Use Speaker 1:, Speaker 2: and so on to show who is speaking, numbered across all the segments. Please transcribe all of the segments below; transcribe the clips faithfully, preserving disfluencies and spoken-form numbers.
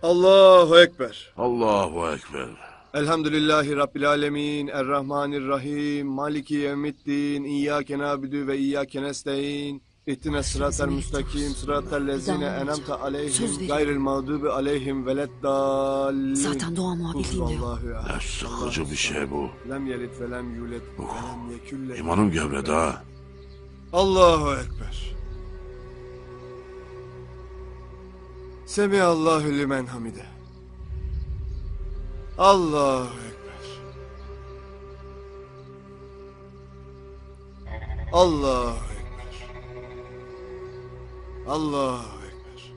Speaker 1: Allahu Ekber.
Speaker 2: Allahu Ekber.
Speaker 1: Elhamdülillahi Rabbil Alemin. Errahmanirrahim. Maliki yevmiddin. İyyâke nâbidü ve iyyâke nestaîn. İhdina sıratel müstakim. Sıratel lezine enemte aleyhim. Gayril mağdubi aleyhim veleddallin.
Speaker 3: Zaten dua muhabirliğim de yok.
Speaker 1: Allahu ya.
Speaker 2: Ne sıkıcı bir şey bu.
Speaker 1: Lem yelit ve lem yulet. Ve lem yekülle.
Speaker 2: İmanım gevredi ha.
Speaker 1: Allahu Ekber. Semihallahu limen hamide. Allahu Ekber. Allahu Ekber. Allahu Ekber.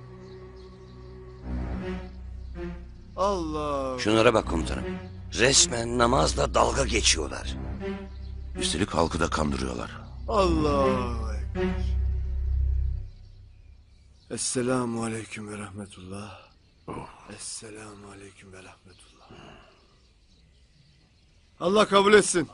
Speaker 1: Allah.
Speaker 4: Şunlara bak komutanım. Resmen namazla dalga geçiyorlar.
Speaker 2: Üstelik halkı da kandırıyorlar.
Speaker 1: Allahu Ekber. Esselamu aleyküm ve rahmetullah. Esselamu aleyküm ve rahmetullah. Allah kabul etsin.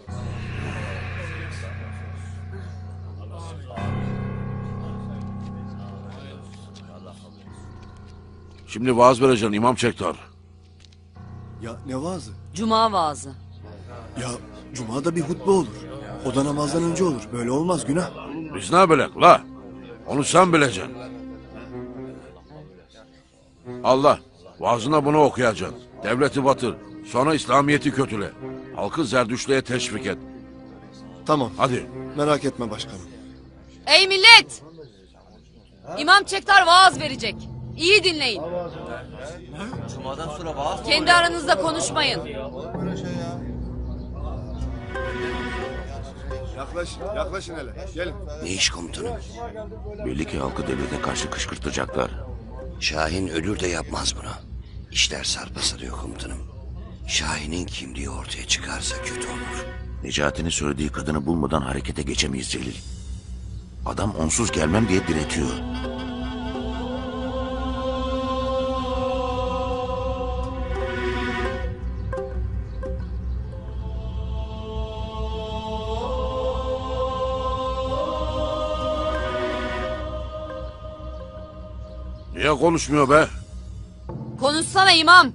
Speaker 2: Şimdi vaaz vereceksin İmam Çektar.
Speaker 1: Ya ne vaazı?
Speaker 3: Cuma vaazı.
Speaker 1: Ya cumada bir hutbe olur. O da namazdan önce olur. Böyle olmaz, günah.
Speaker 2: Biz ne bilek la? Onu sen bileceksin. Allah, vaazına bunu okuyacaksın. Devleti batır. Sonra İslamiyet'i kötüle. Halkı zerdüştlüğe teşvik et.
Speaker 1: Tamam.
Speaker 2: Hadi.
Speaker 1: Merak etme başkanım.
Speaker 3: Ey millet! İmam Çektar vaaz verecek. İyi dinleyin. Kendi aranızda konuşmayın.
Speaker 1: Yaklaş, yaklaşın hele. Gelin.
Speaker 4: Ne iş komutanım?
Speaker 2: Belli ki halkı devlete karşı kışkırtacaklar.
Speaker 4: Şahin ölür de yapmaz bunu. İşler sarpa sarıyor komutanım. Şahin'in kimliği ortaya çıkarsa kötü olur.
Speaker 2: Necati'nin söylediği kadını bulmadan harekete geçemeyiz Celil. Adam onsuz gelmem diye diretiyor. Niye konuşmuyor be?
Speaker 3: Konuşsana imam.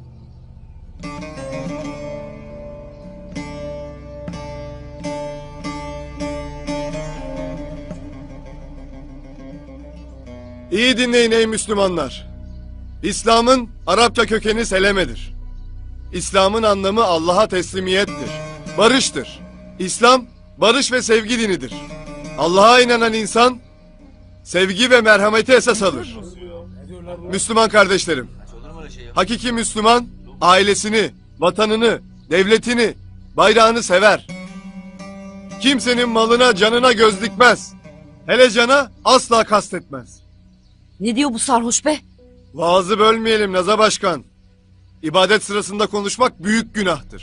Speaker 1: İyi dinleyin ey Müslümanlar. İslam'ın Arapça kökeni selemedir. İslam'ın anlamı Allah'a teslimiyettir. Barıştır. İslam, barış ve sevgi dinidir. Allah'a inanan insan, sevgi ve merhameti esas alır. Müslüman kardeşlerim, hakiki Müslüman, ailesini, vatanını, devletini, bayrağını sever. Kimsenin malına, canına göz dikmez. Hele cana asla kastetmez.
Speaker 3: Ne diyor bu sarhoş be?
Speaker 1: Vaazı bölmeyelim Naza Başkan. İbadet sırasında konuşmak büyük günahtır.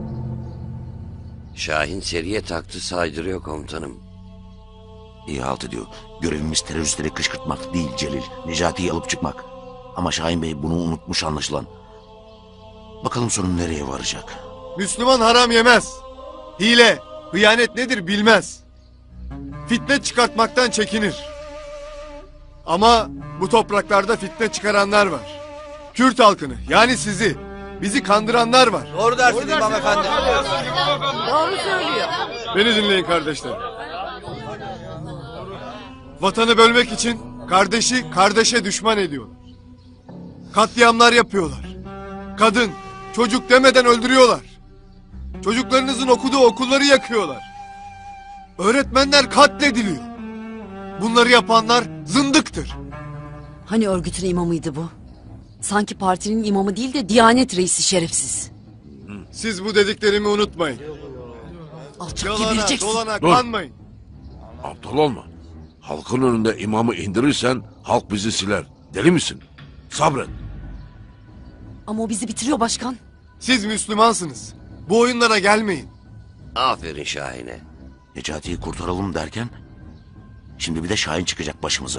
Speaker 4: Şahin seriye taktı saydırıyor komutanım.
Speaker 2: İyi halt ediyor. Görevimiz teröristleri kışkırtmak değil Celil. Necati'yi alıp çıkmak. Ama Şahin Bey bunu unutmuş anlaşılan. Bakalım sonu nereye varacak?
Speaker 1: Müslüman haram yemez. Hile, hıyanet nedir bilmez. Fitne çıkartmaktan çekinir. Ama bu topraklarda fitne çıkaranlar var. Kürt halkını, yani sizi, bizi kandıranlar var.
Speaker 5: Doğru dersin İmam Efendi.
Speaker 3: Doğru söylüyor.
Speaker 1: Beni dinleyin kardeşler. Vatanı bölmek için kardeşi kardeşe düşman ediyorlar. Katliamlar yapıyorlar. Kadın, çocuk demeden öldürüyorlar. Çocuklarınızın okuduğu okulları yakıyorlar. Öğretmenler katlediliyor. Bunları yapanlar zındıktır.
Speaker 3: Hani örgütün imamıydı bu? Sanki partinin imamı değil de Diyanet reisi şerefsiz.
Speaker 1: Siz bu dediklerimi unutmayın.
Speaker 3: Alçak
Speaker 1: Yalana,
Speaker 3: gebereceksin.
Speaker 1: dolana
Speaker 2: Dur.
Speaker 1: kanmayın.
Speaker 2: Aptal olma. Halkın önünde imamı indirirsen halk bizi siler. Deli misin? Sabret.
Speaker 3: Ama o bizi bitiriyor başkan.
Speaker 1: Siz Müslümansınız. Bu oyunlara gelmeyin.
Speaker 4: Aferin Şahin'e.
Speaker 2: Necati'yi kurtaralım derken... Şimdi bir de Şahin çıkacak başımıza.